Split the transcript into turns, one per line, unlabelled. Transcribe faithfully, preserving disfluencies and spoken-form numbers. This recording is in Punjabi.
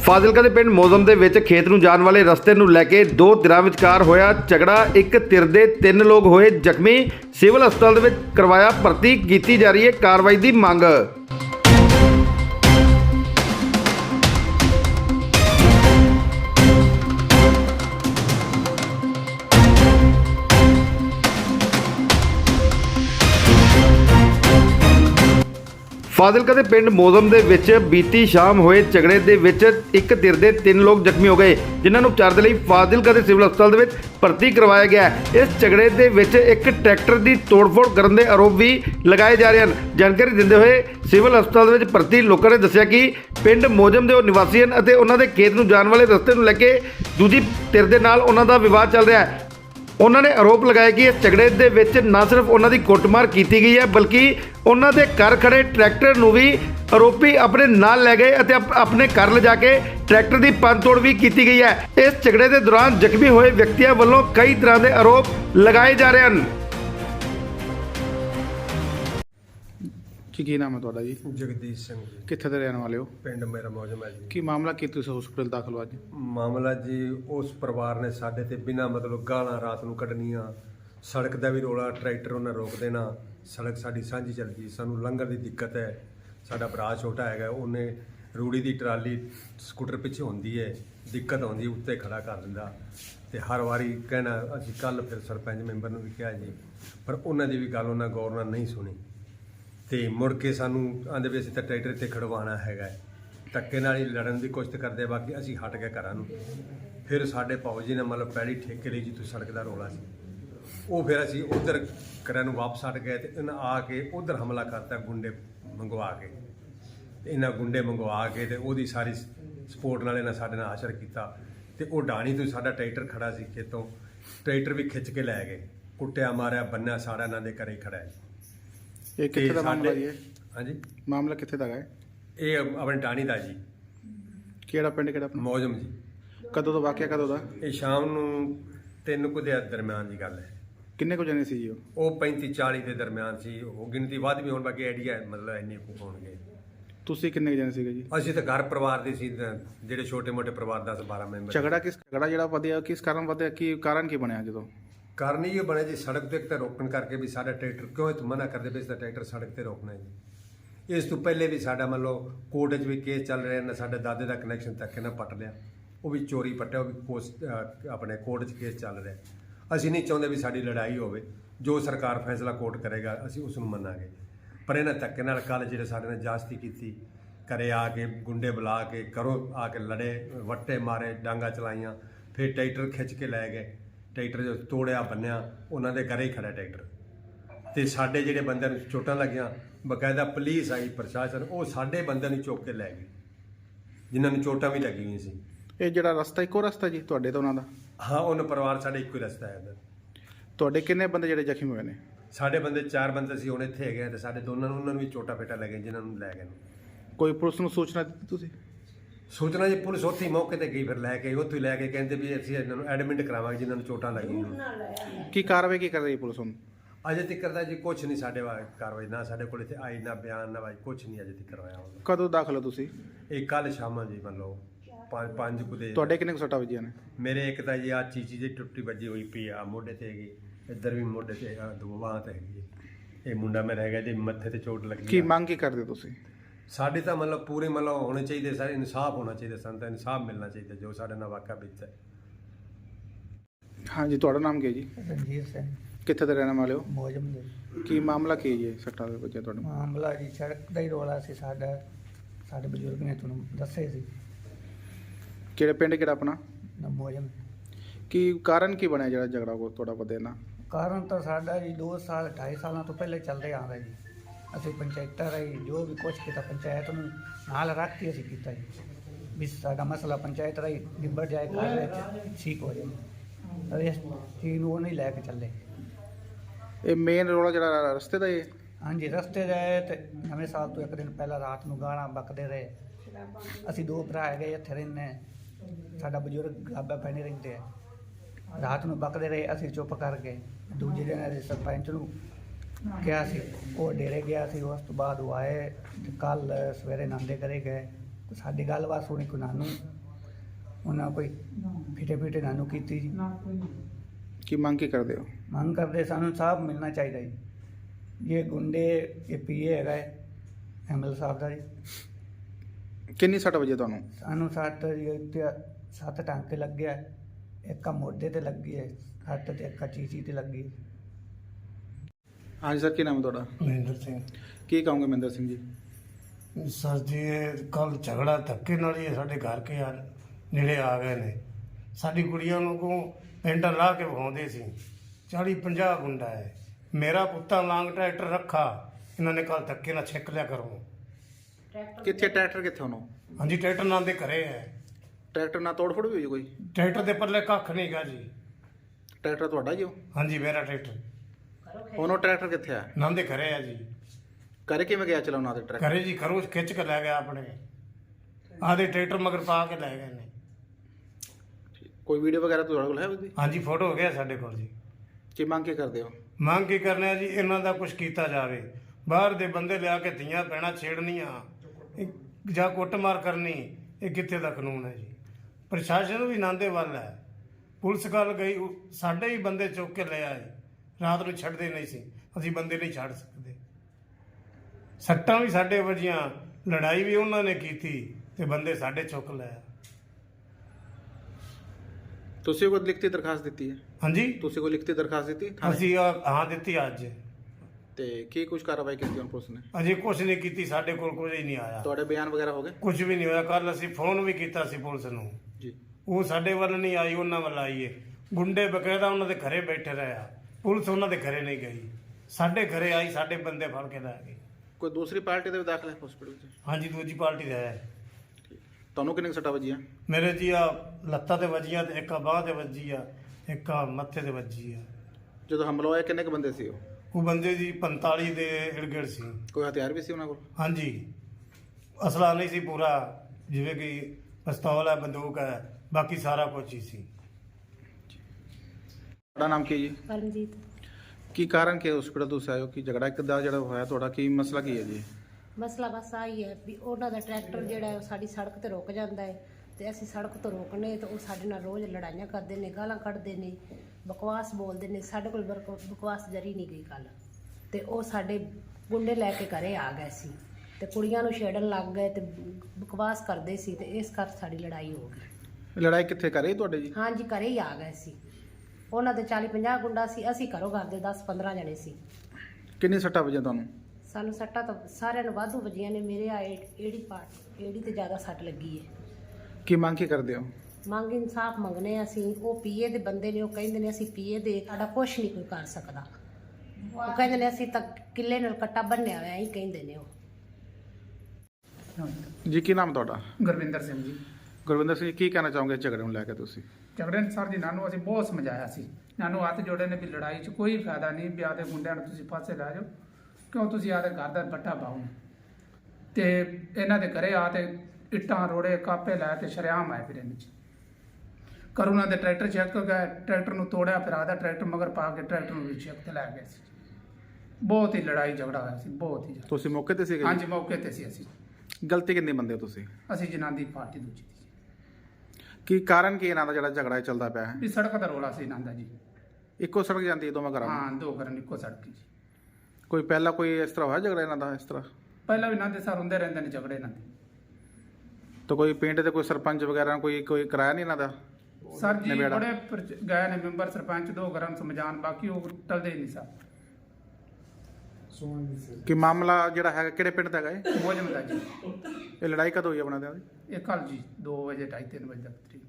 ਫਾਜ਼ਿਲਕਾ ਦੇ ਪਿੰਡ ਮੋਜ਼ਮ ਦੇ ਵਿੱਚ ਖੇਤ ਨੂੰ ਜਾਣ ਵਾਲੇ ਰਸਤੇ ਨੂੰ ਲੈ ਕੇ ਦੋ ਧਿਰਾਂ ਵਿਚਕਾਰ ਹੋਇਆ ਝਗੜਾ। ਇੱਕ ਧਿਰ ਦੇ ਤਿੰਨ ਲੋਕ ਹੋਏ ਜ਼ਖਮੀ। ਸਿਵਲ ਹਸਪਤਾਲ ਦੇ ਵਿੱਚ ਕਰਵਾਇਆ ਭਰਤੀ। ਕੀਤੀ ਜਾ ਰਹੀ ਹੈ ਕਾਰਵਾਈ ਦੀ ਮੰਗ। ਫਾਜ਼ਿਲਕਾ ਦੇ ਪਿੰਡ ਮੋਜ਼ਮ ਦੇ ਵਿੱਚ ਬੀਤੀ ਸ਼ਾਮ ਹੋਏ ਝਗੜੇ ਦੇ ਵਿੱਚ ਇੱਕ ਧਿਰ ਦੇ ਤਿੰਨ ਲੋਕ ਜ਼ਖਮੀ ਹੋ ਗਏ, ਜਿਨ੍ਹਾਂ ਨੂੰ ਉਪਚਾਰ ਦੇ ਲਈ ਫਾਜ਼ਿਲਕਾ ਦੇ ਸਿਵਲ ਹਸਪਤਾਲ ਦੇ ਵਿੱਚ ਭਰਤੀ ਕਰਵਾਇਆ ਗਿਆ। ਇਸ ਝਗੜੇ ਦੇ ਵਿੱਚ ਇੱਕ ਟਰੈਕਟਰ ਦੀ ਤੋੜਫੋੜ ਕਰਨ ਦੇ ਆਰੋਪ ਵੀ ਲਗਾਏ ਜਾ ਰਹੇ ਹਨ। ਜਾਣਕਾਰੀ ਦਿੰਦੇ ਹੋਏ ਸਿਵਲ ਹਸਪਤਾਲ ਦੇ ਵਿੱਚ ਭਰਤੀ ਲੋਕਾਂ ਨੇ ਦੱਸਿਆ ਕਿ ਪਿੰਡ ਮੋਜ਼ਮ ਦੇ ਉਹ ਨਿਵਾਸੀ ਹਨ ਅਤੇ ਉਹਨਾਂ ਦੇ ਖੇਤ ਨੂੰ ਜਾਣ ਵਾਲੇ ਰਸਤੇ ਨੂੰ ਲੈ ਕੇ ਦੂਜੀ ਧਿਰ ਦੇ ਨਾਲ ਉਹਨਾਂ ਦਾ ਵਿਵਾਦ ਚੱਲ ਰਿਹਾ ਹੈ। ਉਹਨਾਂ ਨੇ ਆਰੋਪ ਲਗਾਇਆ ਕਿ ਇਸ ਝਗੜੇ ਦੇ ਵਿੱਚ ਨਾ ਸਿਰਫ ਉਹਨਾਂ ਦੀ ਕੁੱਟਮਾਰ ਕੀਤੀ ਗਈ ਹੈ, ਬਲਕਿ ਉਹਨਾਂ ਦੇ ਘਰ ਖੜੇ ਟਰੈਕਟਰ ਨੂੰ ਵੀ ਆਰੋਪੀ ਆਪਣੇ ਨਾਲ ਲੈ ਗਏ ਅਤੇ ਆਪਣੇ ਘਰ ਲਿਜਾ ਕੇ ਟਰੈਕਟਰ ਦੀ ਭੰਨਤੋੜ ਵੀ ਕੀਤੀ ਗਈ ਹੈ। ਇਸ ਝਗੜੇ ਦੇ ਦੌਰਾਨ ਜ਼ਖਮੀ ਹੋਏ ਵਿਅਕਤੀਆਂ ਵੱਲੋਂ ਕਈ ਤਰ੍ਹਾਂ ਦੇ ਆਰੋਪ ਲਗਾਏ ਜਾ ਰਹੇ ਹਨ।
ਜੀ ਕੀ ਨਾਮ ਹੈ ਤੁਹਾਡਾ ਜੀ?
ਜਗਦੀਸ਼ ਸਿੰਘ ਜੀ।
ਕਿੱਥੇ ਦੇ ਰਹਿਣ ਵਾਲੇ ਹੋ?
ਪਿੰਡ ਮੇਰਾ ਮੌਜਮ ਹੈ ਜੀ।
ਕੀ ਮਾਮਲਾ ਕੀ ਤੁਸੀਂ ਹਸਪਤਾਲ ਦਾਖਲ ਹੋ ਅੱਜ?
ਮਾਮਲਾ ਜੀ ਉਸ ਪਰਿਵਾਰ ਨੇ ਸਾਡੇ ਤੇ ਬਿਨਾਂ ਮਤਲਬ ਗਾਲਾਂ ਰਾਤ ਨੂੰ ਕੱਢਣੀਆਂ, ਸੜਕ ਦਾ ਵੀ ਰੋਲਾ, ਟਰੈਕਟਰ ਉਹਨਾਂ ਰੋਕ ਦੇਣਾ। ਸੜਕ ਸਾਡੀ ਸਾਂਝੀ ਚੱਲ ਗਈ, ਸਾਨੂੰ ਲੰਘਣ ਦੀ ਦਿੱਕਤ ਹੈ। ਸਾਡਾ ਭਰਾ ਛੋਟਾ ਹੈਗਾ, ਉਹਨੇ ਰੂੜੀ ਦੀ ਟਰਾਲੀ ਸਕੂਟਰ ਪਿੱਛੇ ਹੁੰਦੀ ਹੈ, ਦਿੱਕਤ ਆਉਂਦੀ ਉੱਤੇ ਖੜਾ ਕਰ ਦਿੰਦਾ ਤੇ ਹਰ ਵਾਰੀ ਕਹਿਣਾ। ਅਸੀਂ ਕੱਲ ਫਿਰ ਸਰਪੰਚ ਮੈਂਬਰ ਨੂੰ ਵੀ ਕਿਹਾ ਜੀ, ਪਰ ਉਹਨਾਂ ਦੀ ਵੀ ਗੱਲ ਉਹਨਾਂ ਗੌਰ ਨਾਲ ਨਹੀਂ ਸੁਣੀ ਤੇ ਮੁੜ ਕੇ ਸਾਨੂੰ ਆਂਦੇ ਵੀ ਅਸੀਂ ਤਾਂ ਟਰੈਕਟਰ ਇੱਥੇ ਖੜਵਾਉਣਾ ਹੈਗਾ। ਧੱਕੇ ਨਾਲ ਹੀ ਲੜਨ ਦੀ ਕੋਸ਼ਿਸ਼ ਕਰਦੇ, ਬਾਕੀ ਅਸੀਂ ਹਟ ਗਏ ਘਰਾਂ ਨੂੰ। ਫਿਰ ਸਾਡੇ ਭਾਊ ਜੀ ਨੇ ਮਤਲਬ ਪਹਿਲੀ ਠੇਕੇ ਲਈ ਜਿੱਥੋਂ ਸੜਕ ਦਾ ਰੋਲਾ ਸੀ, ਉਹ ਫਿਰ ਅਸੀਂ ਉਧਰ ਘਰਾਂ ਨੂੰ ਵਾਪਸ ਹਟ ਗਏ ਤੇ ਇਹਨਾਂ ਆ ਕੇ ਉਧਰ ਹਮਲਾ ਕਰਤਾ ਗੁੰਡੇ ਮੰਗਵਾ ਕੇ। ਤੇ ਇਹਨਾਂ ਗੁੰਡੇ ਮੰਗਵਾ ਕੇ ਤੇ ਉਹਦੀ ਸਾਰੀ ਸਪੋਰਟ ਨਾਲ ਇਹਨਾਂ ਸਾਡੇ ਨਾਲ ਆਸ਼ਰ ਕੀਤਾ ਤੇ ਉਹ ਡਾਣੀ ਤੋਂ ਸਾਡਾ ਟਰੈਕਟਰ ਖੜਾ ਸੀ ਖੇਤੋਂ, ਟਰੈਕਟਰ ਵੀ ਖਿੱਚ ਕੇ ਲੈ ਗਏ। ਕੁੱਟਿਆ ਮਾਰਿਆ ਬੰਨਿਆ ਸਾੜਾ ਇਹਨਾਂ ਦੇ ਘਰੇ ਖੜਾ ਹੈ।
ਇਹ ਕਿੱਥੇ ਦਾ ਮਾਮਲਾ ਜੀ?
ਹਾਂਜੀ,
ਮਾਮਲਾ ਕਿੱਥੇ ਦਾ ਹੈ?
ਇਹ ਆਪਣੇ ਟਾਣੀ ਦਾ ਜੀ।
ਕਿਹੜਾ ਪਿੰਡ ਕਿਹੜਾ ਆਪਣਾ?
ਮੌਜਮ ਜੀ।
ਕਦੋਂ ਦਾ ਵਾਕਿਆ ਕਦੋਂ ਦਾ?
ਇਹ ਸ਼ਾਮ ਨੂੰ ਤਿੰਨ ਕੁ ਦੇ ਦਰਮਿਆਨ ਦੀ ਗੱਲ ਹੈ।
ਕਿੰਨੇ ਕੁ ਜਣੇ ਸੀ ਜੀ ਉਹ?
ਉਹ ਪੈਂਤੀ ਚਾਲੀ ਦੇ ਦਰਮਿਆਨ ਸੀ। ਉਹ ਗਿਣਤੀ ਵੱਧ ਵੀ ਹੋਣ, ਬਾਕੀ ਆਈਡੀਆ ਮਤਲਬ ਇੰਨੇ ਕੁ ਹੋਣਗੇ।
ਤੁਸੀਂ ਕਿੰਨੇ ਕੁ ਜਣੇ ਸੀਗੇ ਜੀ?
ਅਸੀਂ ਤਾਂ ਘਰ ਪਰਿਵਾਰ ਦੇ ਸੀ, ਜਿਹੜੇ ਛੋਟੇ ਮੋਟੇ ਪਰਿਵਾਰ ਦਸ ਬਾਰਾਂ ਮੈਂਬਰ।
ਝਗੜਾ ਕਿਸ ਝਗੜਾ ਜਿਹੜਾ ਵਧਿਆ ਕਿਸ ਕਾਰਨ ਵਧਿਆ? ਕੀ ਕਾਰਨ ਕੀ ਬਣਿਆ? ਜਦੋਂ
ਕਾਰਨ ਇਹ ਬਣਿਆ ਜੀ ਸੜਕ ਤੇ ਇੱਕ ਤਾਂ ਰੋਕਣ ਕਰਕੇ ਵੀ ਸਾਡਾ ਟਰੈਕਟਰ ਕਿਉਂ ਇਹ ਮਨਾ ਕਰਦੇ ਵੀ ਇਸ ਦਾ ਟਰੈਕਟਰ ਸੜਕ ਤੇ ਰੋਕਣਾ ਹੈ ਜੀ। ਇਸ ਤੋਂ ਪਹਿਲੇ ਵੀ ਸਾਡਾ ਮੰਨ ਲਓ ਕੋਰਟ 'ਚ ਵੀ ਕੇਸ ਚੱਲ ਰਿਹਾ ਨਾ, ਸਾਡੇ ਦਾਦੇ ਦਾ ਕਨੈਕਸ਼ਨ ਤੱਕ ਇਹਨਾਂ ਪੱਟ ਲਿਆ, ਉਹ ਵੀ ਚੋਰੀ ਪੱਟਿਆ, ਉਹ ਵੀ ਪੋਸਟ ਆਪਣੇ ਕੋਰਟ 'ਚ ਕੇਸ ਚੱਲ ਰਿਹਾ। ਅਸੀਂ ਨਹੀਂ ਚਾਹੁੰਦੇ ਵੀ ਸਾਡੀ ਲੜਾਈ ਹੋਵੇ। ਜੋ ਸਰਕਾਰ ਫੈਸਲਾ ਕੋਰਟ ਕਰੇਗਾ ਅਸੀਂ ਉਸ ਨੂੰ ਮੰਨਾਂਗੇ, ਪਰ ਇਹਨਾਂ ਧੱਕੇ ਨਾਲ ਕੱਲ੍ਹ ਜਿਹੜੇ ਸਾਡੇ ਨਾਲ ਜਾਸਤੀ ਕੀਤੀ, ਘਰੇ ਆ ਕੇ ਗੁੰਡੇ ਬੁਲਾ ਕੇ ਕਰੋ ਆ ਕੇ ਲੜੇ, ਵੱਟੇ ਮਾਰੇ, ਡਾਂਗਾ ਚਲਾਈਆਂ, ਫਿਰ ਟਰੈਕਟਰ ਖਿੱਚ ਕੇ ਲੈ ਗਏ। ਟਰੈਕਟਰ ਜੋ ਤੋੜਿਆ ਬੰਨਿਆ, ਉਹਨਾਂ ਦੇ ਘਰੇ ਹੀ ਖੜਾ ਟਰੈਕਟਰ। ਤੇ ਸਾਡੇ ਜਿਹੜੇ ਬੰਦਿਆਂ ਨੂੰ ਚੋਟਾਂ ਲੱਗੀਆਂ, ਬਕਾਇਦਾ ਪੁਲਿਸ ਆਈ, ਪ੍ਰਸ਼ਾਸਨ, ਉਹ ਸਾਡੇ ਬੰਦਿਆਂ ਨੂੰ ਚੁੱਕ ਕੇ ਲੈ ਗਈ ਜਿਨ੍ਹਾਂ ਨੂੰ ਚੋਟਾਂ ਵੀ ਲੱਗੀਆਂ ਸੀ।
ਇਹ ਜਿਹੜਾ ਰਸਤਾ ਇੱਕੋ ਰਸਤਾ ਜੀ ਤੁਹਾਡੇ ਤੋਂ ਉਹਨਾਂ ਦਾ?
ਹਾਂ, ਉਹਨਾਂ ਪਰਿਵਾਰ ਸਾਡੇ ਇੱਕੋ ਹੀ ਰਸਤਾ ਹੈ।
ਤੁਹਾਡੇ ਕਿੰਨੇ ਬੰਦੇ ਜਿਹੜੇ ਜ਼ਖਮੀ ਹੋਏ ਨੇ?
ਸਾਡੇ ਬੰਦੇ ਚਾਰ ਬੰਦੇ ਸੀ, ਹੁਣ ਇੱਥੇ ਹੈਗੇ ਆ ਤੇ ਸਾਡੇ ਦੋਨਾਂ ਨੂੰ ਉਹਨਾਂ ਨੂੰ ਵੀ ਚੋਟਾਂ ਫੇਟਾਂ ਲੱਗੇ ਜਿਨ੍ਹਾਂ ਨੂੰ ਲੈ ਗਏ।
ਕੋਈ ਪੁਲਿਸ ਨੂੰ ਸੂਚਨਾ ਦਿੱਤੀ ਤੁਸੀਂ?
ਸੂਚਨਾ ਜੀ ਪੁਲਿਸ ਉੱਥੇ ਹੀ ਮੌਕੇ ਤੇ ਗਈ, ਫਿਰ ਲੈ ਕੇ ਉੱਥੇ ਲੈ ਕੇ ਕਹਿੰਦੇ ਵੀ ਅਸੀਂ ਇਹਨਾਂ ਨੂੰ ਐਡਮਿਟ ਕਰਾਵਾਂਗੇ ਜਿਨ੍ਹਾਂ ਨੂੰ ਚੋਟਾਂ ਲੱਗੀਆਂ।
ਕੀ ਕਾਰਵਾਈ ਕੀ ਕਰ ਰਹੀ ਪੁਲਿਸ ਹੁਣ?
ਅਜੇ ਤੱਕ ਕਰਦਾ ਜੀ ਕੁਛ ਨਹੀਂ ਸਾਡੇ ਵਾ ਕਾਰਵਾਈ, ਨਾ ਸਾਡੇ ਕੋਲ ਇੱਥੇ ਆਈ, ਨਾ ਬਿਆਨ, ਨਾ ਬਾਈ, ਕੁਛ ਨਹੀਂ ਅਜੇ ਤੱਕ ਕਰਵਾਇਆ ਹੋਣਾ।
ਕਦੋਂ ਦਾਖਲ ਹੋ ਤੁਸੀਂ?
ਇਹ ਕੱਲ ਸ਼ਾਮਾਂ ਜੀ ਮੰਨ ਲਓ ਪੰਜ ਪੰਜ ਕੁ ਦੇ।
ਤੁਹਾਡੇ ਕਿੰਨੇ ਕੁ ਸੱਟਾਂ ਵੱਜੀਆਂ ਨੇ?
ਮੇਰੇ ਇੱਕ ਤਾਂ ਜੀ ਆਹ ਚੀਚੀ ਜਿਹੀ ਟੁੱਟੀ ਵੱਜੀ ਹੋਈ ਪਈ ਆ, ਮੋਢੇ ਤੇ ਹੈਗੀ, ਇੱਧਰ ਵੀ ਮੋਢੇ ਤੇ ਦੋ ਬਾਹਾਂ ਤੇ ਹੈਗੀ। ਇਹ ਮੁੰਡਾ ਮੇਰਾ ਹੈਗਾ ਜੀ, ਮੱਥੇ ਤੇ ਚੋਟ ਲੱਗੀ।
ਕੀ ਮੰਗ ਕੀ ਕਰਦੇ ਤੁਸੀਂ?
ਸਾਡੇ ਤਾਂ ਮਤਲਬ ਪੂਰੇ ਮਤਲਬ ਹੋਣੇ ਚਾਹੀਦੇ, ਸਾਰੇ ਇਨਸਾਫ ਹੋਣਾ ਚਾਹੀਦਾ, ਸਾਨੂੰ ਤਾਂ ਇਨਸਾਫ ਮਿਲਣਾ ਚਾਹੀਦਾ ਜੋ ਸਾਡੇ ਨਾਲ ਵਾਕਿਆ ਬੀਤਿਆ।
ਹਾਂਜੀ, ਤੁਹਾਡਾ ਨਾਮ ਕੀ ਹੈ ਜੀ?
ਰਣਜੀਤ ਸਿੰਘ।
ਕਿੱਥੇ ਦੇ ਰਹਿਣ ਵਾਲੇ ਹੋ?
ਮੌਜਮ ਦੇ।
ਕੀ ਮਾਮਲਾ ਕੀ ਹੈ ਜੀ ਸੱਟਾਂ ਦੇ ਵੱਜਿਆ ਤੁਹਾਡੇ?
ਮਾਮਲਾ ਜੀ ਸੜਕ ਦਾ ਹੀ ਰੋਲਾ ਸੀ ਸਾਡਾ, ਸਾਡੇ ਬਜ਼ੁਰਗ ਨੇ ਤੁਹਾਨੂੰ ਦੱਸਿਆ ਸੀ।
ਕਿਹੜੇ ਪਿੰਡ ਕਿਹੜਾ ਆਪਣਾ?
ਮੌਜਮ।
ਕੀ ਕਾਰਨ ਕੀ ਬਣਿਆ ਜਿਹੜਾ ਝਗੜਾ ਕੋ ਤੁਹਾਡਾ ਵਧਿਆ ਨਾ?
ਕਾਰਨ ਤਾਂ ਸਾਡਾ ਜੀ ਦੋ ਸਾਲ ਢਾਈ ਸਾਲਾਂ ਤੋਂ ਪਹਿਲੇ ਚੱਲਦੇ ਆਉਂਦਾ ਜੀ। ਅਸੀਂ ਪੰਚਾਇਤਾਂ ਰਾਹੀਂ ਜੋ ਵੀ ਕੁਛ ਕੀਤਾ, ਪੰਚਾਇਤ ਨੂੰ ਨਾਲ ਰੱਖ ਕੇ ਅਸੀਂ ਕੀਤਾ ਜੀ ਵੀ ਸਾਡਾ ਮਸਲਾ ਪੰਚਾਇਤ ਰਾਹੀਂ ਨਿਬੜ ਜਾਏ, ਘਰ ਵਿੱਚ ਠੀਕ ਹੋ ਜਾਏ। ਪਰ ਇਸ ਚੀਜ਼ ਨੂੰ ਉਹ ਨਹੀਂ ਲੈ ਕੇ ਚੱਲੇ।
ਇਹ ਮੇਨ ਰੋਲਾ ਜਿਹੜਾ ਰਸਤੇ ਦਾ ਹੀ ਹੈ?
ਹਾਂਜੀ, ਰਸਤੇ ਗਏ ਤੇ ਨਵੇਂ ਸਾਲ ਤੋਂ ਇੱਕ ਦਿਨ ਪਹਿਲਾਂ ਰਾਤ ਨੂੰ ਗਾਲਾਂ ਬਕਦੇ ਰਹੇ। ਅਸੀਂ ਦੋ ਭਰਾ ਹੈਗੇ, ਇੱਥੇ ਰਹਿੰਦੇ, ਸਾਡਾ ਬਜ਼ੁਰਗ ਗਾਬਾ ਪੈਣੇ ਰਹਿੰਦੇ ਆ। ਰਾਤ ਨੂੰ ਬਕਦੇ ਰਹੇ, ਅਸੀਂ ਚੁੱਪ ਕਰ ਗਏ। ਦੂਜੇ ਦਿਨ ਅਸੀਂ ਸਰਪੰਚ ਨੂੰ ਕਿਹਾ ਸੀ, ਉਹ ਡੇਰੇ ਗਿਆ ਸੀ। ਉਸ ਤੋਂ ਬਾਅਦ ਉਹ ਆਏ ਤੇ ਕੱਲ ਸਵੇਰੇ ਨਾਂਦੇ ਕਰੇ ਗਏ। ਸਾਡੀ ਗੱਲਬਾਤ ਸੁਣੀ ਕੋਈ ਨਾਨੂੰ ਉਹਨਾਂ ਕੋਈ ਫਿਟੇ ਫਿਟੇ ਨਾਨੂੰ ਕੀਤੀ ਜੀ।
ਕੀ ਮੰਗ ਕੀ ਕਰਦੇ ਹੋ?
ਮੰਗ ਕਰਦੇ ਸਾਨੂੰ ਇਨਸਾਫ ਮਿਲਣਾ ਚਾਹੀਦਾ ਜੀ। ਇਹ ਗੁੰਡੇ ਇਹ ਪੀਏ ਹੈਗਾ ਹੈ ਐਮਐਲ ਸਾਹਿਬ ਦਾ ਜੀ।
ਕਿੰਨੀ ਸੱਟ ਵਜੇ ਤੁਹਾਨੂੰ?
ਸਾਨੂੰ ਸੱਟ ਜੀ ਤੇ ਸੱਤ ਟਾਂਕੇ ਲੱਗੇ ਆ, ਇੱਕ ਆ ਮੋਢੇ ਤੇ ਲੱਗੀ ਹੈ ਹੱਥ ਤੇ, ਇੱਕ ਆ ਚੀਚੀ ਤੇ ਲੱਗੀ ਹੈ।
ਹਾਂਜੀ ਸਰ, ਕੀ ਨਾਮ ਹੈ ਤੁਹਾਡਾ?
ਮਹਿੰਦਰ ਸਿੰਘ।
ਕੀ ਕਹੋਗੇ ਮਹਿੰਦਰ ਸਿੰਘ ਜੀ?
ਸਰ ਜੀ ਕੱਲ ਝਗੜਾ ਧੱਕੇ ਨਾਲ ਹੀ ਸਾਡੇ ਘਰ ਕੇ ਆ ਨੇੜੇ ਆ ਗਏ ਨੇ। ਸਾਡੀ ਕੁੜੀਆਂ ਨੂੰ ਕੋ ਪਿੰਡ ਲਾ ਕੇ ਵਿਖਾਉਂਦੇ ਸੀ, ਚਾਲੀ ਪੰਜਾਹ ਗੁੰਡਾ ਹੈ। ਮੇਰਾ ਪੁੱਤਾਂ ਲਾਂਗ ਟਰੈਕਟਰ ਰੱਖਾ, ਇਹਨਾਂ ਨੇ ਕੱਲ ਧੱਕੇ ਨਾਲ ਛਿੱਕ ਲਿਆ ਕਰੋ।
ਕਿੱਥੇ ਟਰੈਕਟਰ ਕਿੱਥੇ ਉਹਨੂੰ?
ਹਾਂਜੀ ਟਰੈਕਟਰ ਨਾਲ ਦੇ ਘਰੇ ਹੈ।
ਟਰੈਕਟਰ ਨਾਲ ਤੋੜ ਫੋੜ ਵੀ ਹੋਈ ਕੋਈ?
ਟਰੈਕਟਰ ਦੇ ਪੱਲੇ ਕੱਖ ਨਹੀਂ ਗਾ ਜੀ।
ਟਰੈਕਟਰ ਤੁਹਾਡਾ ਜੀ ਉਹ?
ਹਾਂਜੀ ਮੇਰਾ ਟਰੈਕਟਰ।
ਉਹਨੂੰ ਟਰੈਕਟਰ ਕਿੱਥੇ ਆ?
ਨਾਲ ਦੇ ਘਰੇ ਹੈ ਜੀ।
ਘਰੇ ਕਿਵੇਂ ਗਿਆ ਚਲਾਉਣਾ ਦੇ ਟਰੈਕਟਰ?
ਘਰੇ ਜੀ ਘਰੋਂ ਖਿੱਚ ਕੇ ਲੈ ਗਿਆ ਆਪਣੇ ਆਦੇ ਟਰੈਕਟਰ ਮਗਰ ਪਾ ਕੇ ਲੈ ਗਏ ਨੇ।
ਕੋਈ ਵੀਡੀਓ ਵਗੈਰਾ ਤੁਹਾਡੇ ਕੋਲ ਹੈ ਉਹਦੀ?
ਹਾਂਜੀ ਫੋਟੋ ਹੋ ਗਿਆ ਸਾਡੇ ਕੋਲ ਜੀ।
ਕੀ ਮੰਗ ਕੀ ਕਰਦੇ ਹੋ?
ਮੰਗ ਕੀ ਕਰਨਾ ਜੀ, ਇਹਨਾਂ ਦਾ ਕੁਝ ਕੀਤਾ ਜਾਵੇ। ਬਾਹਰ ਦੇ ਬੰਦੇ ਲਿਆ ਕੇ ਧੀਆਂ ਪੈਣਾ ਛੇੜਨੀਆਂ ਇਹ ਜਾਂ ਕੁੱਟਮਾਰ ਕਰਨੀ, ਇਹ ਕਿੱਥੇ ਦਾ ਕਾਨੂੰਨ ਹੈ ਜੀ। ਪ੍ਰਸ਼ਾਸਨ ਵੀ ਨਾਂਦੇ ਵੱਲ ਹੈ। ਪੁਲਿਸ ਕੱਲ ਗਈ, ਉਹ ਸਾਡੇ ਹੀ ਬੰਦੇ ਚੁੱਕ ਕੇ ਲੈ ਆਏ। ਰਾਤ ਨੂੰ ਛੱਡਦੇ ਨਹੀਂ ਸੀ, ਅਸੀਂ ਬੰਦੇ ਨਹੀਂ ਛੱਡ ਸਕਦੇ। ਸੱਟਾਂ ਵੀ ਸਾਡੇ ਵੱਜੀਆਂ, ਲੜਾਈ ਵੀ ਉਹਨਾਂ ਨੇ ਕੀਤੀ ਤੇ ਬੰਦੇ ਸਾਡੇ ਚੁੱਕ ਲਿਆ।
ਤੁਸੀਂ ਕੋਈ ਲਿਖਤੀ ਦਰਖਾਸਤ ਦਿੱਤੀ ਹੈ?
ਹਾਂਜੀ
ਤੁਸੀਂ ਕੋਈ ਲਿਖਤੀ ਦਰਖਾਸਤ ਦਿੱਤੀ ਥਾਣੇ?
ਅਸੀਂ ਆ- ਹਾਂ ਦਿੱਤੀ ਅੱਜ।
ਤੇ ਕੀ ਕੁਝ ਕਾਰਵਾਈ ਕੀਤੀ ਹੁਣ ਪੁਲਿਸ ਨੇ?
ਅਜੇ ਕੁਝ ਨਹੀਂ ਕੀਤੀ, ਸਾਡੇ ਕੋਲ ਕੁਝ ਹੀ ਨਹੀਂ ਆਇਆ।
ਤੁਹਾਡੇ ਬਿਆਨ ਵਗੈਰਾ ਹੋ ਗਏ?
ਕੁਝ ਵੀ ਨਹੀਂ ਹੋਇਆ। ਕੱਲ ਅਸੀਂ ਫੋਨ ਵੀ ਕੀਤਾ ਸੀ ਪੁਲਿਸ ਨੂੰ,
ਜੀ।
ਉਹ ਸਾਡੇ ਵੱਲ ਨਹੀਂ ਆਈ, ਉਹਨਾਂ ਵੱਲ ਆਈ ਏ। ਗੁੰਡੇ ਬਕਾਇਦਾ ਉਹਨਾਂ ਦੇ ਘਰੇ ਬੈਠੇ ਰਿਹਾ, ਪੁਲਿਸ ਉਹਨਾਂ ਦੇ ਘਰੇ ਨਹੀਂ ਗਈ। ਸਾਡੇ ਘਰੇ ਆਈ, ਸਾਡੇ ਬੰਦੇ ਫੜ ਕੇ ਲੈ ਗਈ।
ਕੋਈ ਦੂਸਰੀ ਪਾਰਟੀ ਦੇ ਵੀ ਦਾਖਲ ਹੈ ਹਸਪੀਟਲ 'ਚ?
ਹਾਂਜੀ ਦੂਜੀ ਪਾਰਟੀ ਦਾ ਹੈ।
ਤੁਹਾਨੂੰ ਕਿੰਨੀ ਕੁ ਸੱਟਾਂ ਵੱਜੀਆਂ?
ਮੇਰੇ ਜੀ ਆ ਲੱਤਾਂ ਤੇ ਵੱਜੀਆਂ ਤੇ ਇੱਕ ਆ ਬਾਂਹ ਤੇ ਵੱਜੀ ਆ, ਇੱਕ ਆ ਮੱਥੇ ਤੇ ਵੱਜੀ ਆ।
ਜਦੋਂ ਹਮਲਾ ਹੋਇਆ ਕਿੰਨੇ ਕੁ ਬੰਦੇ ਸੀ ਉਹ?
ਉਹ ਬੰਦੇ ਜੀ ਪੰਤਾਲੀ ਦੇ ਇਰਦ ਗਿਰਦ ਸੀ।
ਕੋਈ ਹਥਿਆਰ ਵੀ ਸੀ ਉਹਨਾਂ ਕੋਲ?
ਹਾਂਜੀ ਅਸਲਾ ਨਹੀਂ ਸੀ ਪੂਰਾ, ਜਿਵੇਂ ਕਿ ਪਿਸਤੌਲ ਹੈ, ਬੰਦੂਕ ਹੈ, ਬਾਕੀ ਸਾਰਾ ਕੁਝ ਹੀ ਸੀ।
ਤੁਹਾਡਾ ਨਾਮ ਕੀ ਹੈ ਜੀ?
ਪਰਮਜੀਤ।
ਕੀ ਕਾਰਨ ਕਿ ਹਸਪੀਟਲ ਤੁਸੀਂ ਆਏ ਹੋ? ਕੀ ਝਗੜਾ ਇੱਕ ਦਾ ਜਿਹੜਾ ਹੋਇਆ ਤੁਹਾਡਾ, ਕੀ ਮਸਲਾ ਕੀ ਹੈ ਜੀ?
ਮਸਲਾ ਬਸ ਆਹੀ ਹੈ ਵੀ ਉਹਨਾਂ ਦਾ ਟਰੈਕਟਰ ਜਿਹੜਾ ਹੈ ਉਹ ਸਾਡੀ ਸੜਕ ਤੇ ਰੁਕ ਜਾਂਦਾ ਹੈ ਤੇ ਅਸੀਂ ਸੜਕ ਤੋਂ ਰੋਕਨੇ ਤਾਂ ਉਹ ਸਾਡੇ ਨਾਲ ਰੋਜ਼ ਲੜਾਈਆਂ ਕਰਦੇ ਨੇ, ਗਾਲਾਂ ਕੱਢਦੇ ਨੇ, ਬਕਵਾਸ ਬੋਲਦੇ ਨੇ। ਸਾਡੇ ਕੋਲ ਬਰਕ- ਬਕਵਾਸ ਜਰੀ ਨਹੀਂ ਗਈ ਕੱਲ, ਤੇ ਉਹ ਸਾਡੇ ਗੁੰਡੇ ਲੈ ਕੇ ਘਰੇ ਆ ਗਏ ਸੀ ਤੇ ਕੁੜੀਆਂ ਨੂੰ ਛੇੜਨ ਲੱਗ ਗਏ ਤੇ ਬਕਵਾਸ ਕਰਦੇ ਸੀ, ਤੇ ਇਸ ਕਰਕੇ ਸਾਡੀ ਲੜਾਈ ਹੋ ਗਈ।
ਲੜਾਈ ਕਿੱਥੇ ਕਰੇ ਤੁਹਾਡੇ ਜੀ?
ਹਾਂਜੀ ਘਰੇ ਹੀ ਆ ਗਏ ਸੀ। ਉਹਨਾਂ ਦੇ ਚਾਲੀ ਪੰਜਾਹ ਗੁੰਡਾ ਸੀ, ਅਸੀਂ ਘਰੋਂ ਘਰ ਦੇ ਦਸ ਪੰਦਰਾਂ ਜਣੇ ਸੀ।
ਕਿੰਨੀ ਸੱਟਾਂ ਵੱਜੀਆਂ ਤੁਹਾਨੂੰ?
ਸਾਨੂੰ ਸੱਟਾਂ ਤਾਂ ਸਾਰਿਆਂ ਨੂੰ ਵਾਧੂ ਵੱਜੀਆਂ ਨੇ। ਮੇਰੇ ਆ ਏੜੀ ਪਾਟ ਏੜੀ ਤੇ ਜ਼ਿਆਦਾ ਸੱਟ ਲੱਗੀ ਹੈ।
ਕੀ ਮੰਗ ਕੀ ਕਰਦੇ ਹੋ?
ਮੰਗ ਇਨਸਾਫ ਮੰਗਨੇ ਆ ਅਸੀਂ। ਉਹ ਪੀਏ ਦੇ ਬੰਦੇ ਨੇ, ਉਹ ਕਹਿੰਦੇ ਨੇ ਅਸੀਂ ਪੀਏ ਦੇ, ਸਾਡਾ ਕੁਛ ਨਹੀਂ ਕੋਈ ਕਰ ਸਕਦਾ। ਉਹ ਕਹਿੰਦੇ ਨੇ ਅਸੀਂ ਤਾਂ ਕਿੱਲੇ ਨਾਲ ਕੱਟਾ ਬੰਨਿਆ ਹੋਇਆ ਹੀ, ਕਹਿੰਦੇ ਨੇ ਉਹ।
ਜੀ ਕੀ ਨਾਮ ਤੁਹਾਡਾ?
ਗੁਰਵਿੰਦਰ ਸਿੰਘ ਜੀ।
ਗੁਰਵਿੰਦਰ ਸਿੰਘ ਜੀ, ਕੀ ਕਹਿਣਾ ਚਾਹੋਗੇ ਝਗੜੇ ਨੂੰ ਲੈ ਕੇ ਤੁਸੀਂ?
ਝਗੜੇ ਨੇ ਸਰ ਜੀ ਨਾਨੂੰ ਅਸੀਂ ਬਹੁਤ ਸਮਝਾਇਆ ਸੀ। ਨਾਨੂੰ ਹੱਥ ਜੋੜੇ ਨੇ ਵੀ ਲੜਾਈ 'ਚ ਕੋਈ ਫਾਇਦਾ ਨਹੀਂ, ਵੀ ਆਦੇ ਮੁੰਡਿਆਂ ਨੂੰ ਤੁਸੀਂ ਪਾਸੇ ਲੈ ਜਾਓ, ਕਿਉਂ ਤੁਸੀਂ ਆਦੇ ਘਰ ਦਾ ਬੱਟਾ ਪਾਓ। ਤੇ ਇਹਨਾਂ ਦੇ ਘਰੇ ਆ ਤੇ ਇੱਟਾਂ ਰੋੜੇ ਕਾਪੇ ਲੈ ਤੇ ਸ਼ਰਿਆਮ ਆਏ ਫਿਰ ਇਹਨਾਂ 'ਚ। ਕਰੂਣਾ ਦੇ ਟਰੈਕਟਰ ਚੈੱਕ ਗਏ, ਟਰੈਕਟਰ ਨੂੰ ਤੋੜਿਆ, ਫਿਰ ਆਦਾ ਟਰੈਕਟਰ ਮਗਰ ਪਾ ਕੇ ਟਰੈਕਟਰ ਨੂੰ ਵੀ ਚੈੱਕ ਤੇ ਲੈ ਗਏ ਸੀ। ਬਹੁਤ ਹੀ ਲੜਾਈ ਝਗੜਾ ਹੋਇਆ ਸੀ, ਬਹੁਤ ਹੀ ਜ਼ਿਆਦਾ।
ਤੁਸੀਂ ਮੌਕੇ ਤੇ ਸੀਗੇ?
ਹਾਂਜੀ ਮੌਕੇ ਤੇ ਸੀ ਅਸੀਂ।
ਗਲਤੀ ਕਿੰਨੇ ਬੰਦੇ ਹੋ ਤੁਸੀਂ?
ਅਸੀਂ ਜਨਾਨੀ ਪਾਰਟੀ ਦੂਜੀ ਦੀ ਸੀ।
ਕੀ ਕਾਰਨ ਕੀ ਇਹਨਾਂ ਦਾ ਜਿਹੜਾ ਝਗੜਾ ਚੱਲਦਾ ਪਿਆ ਹੈ?
ਵੀ ਸੜਕ ਦਾ ਰੋਲਾ ਸੀ ਇਹਨਾਂ ਦਾ ਜੀ।
ਇੱਕੋ ਸੜਕ ਜਾਂਦੀ ਹੈ ਦੋਵਾਂ ਘਰਾਂ ਨੂੰ?
ਹਾਂ ਦੋ ਘਰਾਂ ਇੱਕੋ ਸੜਕ ਜੀ।
ਕੋਈ ਪਹਿਲਾਂ ਕੋਈ ਇਸ ਤਰ੍ਹਾਂ ਹੋਇਆ ਝਗੜਾ ਇਹਨਾਂ ਦਾ ਇਸ ਤਰ੍ਹਾਂ?
ਪਹਿਲਾਂ ਵੀ ਨਾਂਦੇ ਸਰ ਹੁੰਦੇ ਰਹਿੰਦੇ ਨੇ ਝਗੜੇ ਇਹਨਾਂ ਦੇ।
ਤਾਂ ਕੋਈ ਪਿੰਡ ਦੇ ਕੋਈ ਸਰਪੰਚ ਵਗੈਰਾ ਕੋਈ ਕੋਈ ਕਰਾਇਆ ਨਹੀਂ ਇਹਨਾਂ ਦਾ
ਸਰ ਜੀ
ਨਿਬੇੜਾ?
ਬੜੇ ਪ੍ਰਚ- ਗਏ ਨੇ ਮੈਂਬਰ ਸਰਪੰਚ ਦੋ ਘਰਾਂ ਨੂੰ ਸਮਝਾਉਣ, ਬਾਕੀ ਉਹ ਟਲਦੇ ਹੀ ਨਹੀਂ ਸਰ।
ਕਿ ਮਾਮਲਾ ਜਿਹੜਾ ਹੈਗਾ ਕਿਹੜੇ ਪਿੰਡ ਦਾ ਹੈਗਾ ਇਹ?
ਮੋਜਮ ਦਾ ਜੀ।
ਇਹ ਲੜਾਈ ਕਦੋਂ ਹੋਈ ਆਪਣਾ ਦੀ?
ਇਹ ਕੱਲ ਜੀ ਦੋ ਵਜੇ ਢਾਈ ਤਿੰਨ ਵਜੇ ਤੱਕ ਤਰੀਕ।